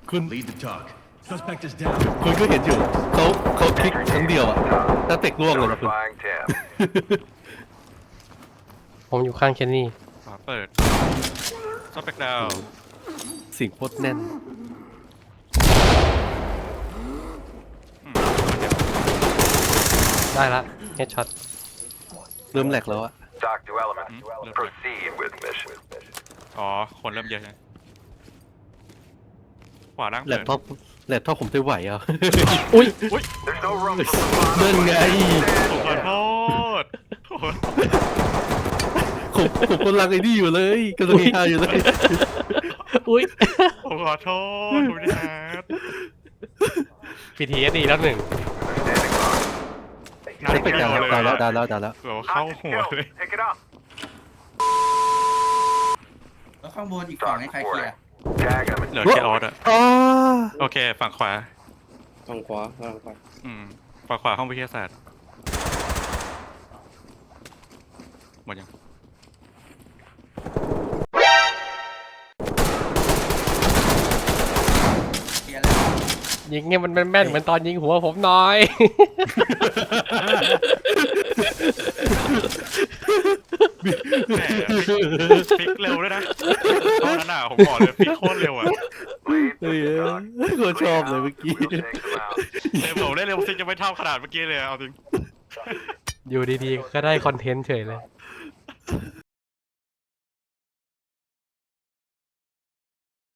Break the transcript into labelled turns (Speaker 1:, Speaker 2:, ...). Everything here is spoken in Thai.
Speaker 1: คุณ
Speaker 2: Lead the talk. Suspect is down.
Speaker 1: คุณก็เห็นอยู่เขาคลิกครั้งเดียวอะแล้วเตะล่วงเลยนะคุณ
Speaker 3: Notifying Tim.
Speaker 4: ผมอยู่ข้างเคนนี่
Speaker 5: ขวาเปิดซอฟแบ็กดาว
Speaker 1: สิ่งโคตรแน่น
Speaker 4: ได้ละเฮดช็อต
Speaker 1: เริ่มแหลกแล้วอะ
Speaker 3: Talk to element. Proceed with mission.
Speaker 5: อ๋อ คนเริ่มเยอะใช่ไหมขวาล่าง
Speaker 1: แหล
Speaker 5: เปิ
Speaker 1: ก
Speaker 5: ด
Speaker 1: ท็อปผมจะไหวอ่ะ
Speaker 4: อุ้ย
Speaker 3: There's no room for bravado.
Speaker 1: นั่นไง
Speaker 5: ผมขอโทษโอ้โห
Speaker 1: ผมกำลังไอ้นี่อยู่เลยกำลังฮาอยู่เลย
Speaker 4: อุ้ย
Speaker 5: ผมขอโทษคุณแฮท
Speaker 4: PTSD แล้วหนึ่ง
Speaker 3: Standing by.
Speaker 1: เช็คไปดาวแล้ว
Speaker 5: เกือบเข้า
Speaker 3: Hostage
Speaker 5: หัว
Speaker 3: kill.
Speaker 5: เลย
Speaker 3: Pick it up.
Speaker 6: แล้วข้างบนอีกฝั่งให้ใครเคลียร์
Speaker 3: Tag him.
Speaker 5: เหลือแค่ออสอะ
Speaker 1: อ๋อ
Speaker 5: โอเค ฝั่งขวา
Speaker 7: ทางขวาทางขวา
Speaker 5: ฝั่งขวาห้องวิทยาศาสตร์หมดยัง
Speaker 6: เคลียร์แล้ว
Speaker 4: ยิงเนี่ยมันแม่นๆเหมือนตอนยิงหัวผมหน่อย
Speaker 5: แหมพลิกเร็วด้วยนะตอนนั้นอ่ะผมบอกเลยพลิกโคตรเร็วอ่ะ
Speaker 3: Lead
Speaker 1: เฮ้ย
Speaker 3: the talk.
Speaker 1: โคตรชอบเลยเมื่อกี้
Speaker 3: We'll take them out.
Speaker 5: เร็วผมได้เร็วซิจะไม่เท่าขนาดเมื่อกี้เลยเอาจริง
Speaker 4: อยู่ดีๆ ก็ได้คอนเทนต์เฉยเลย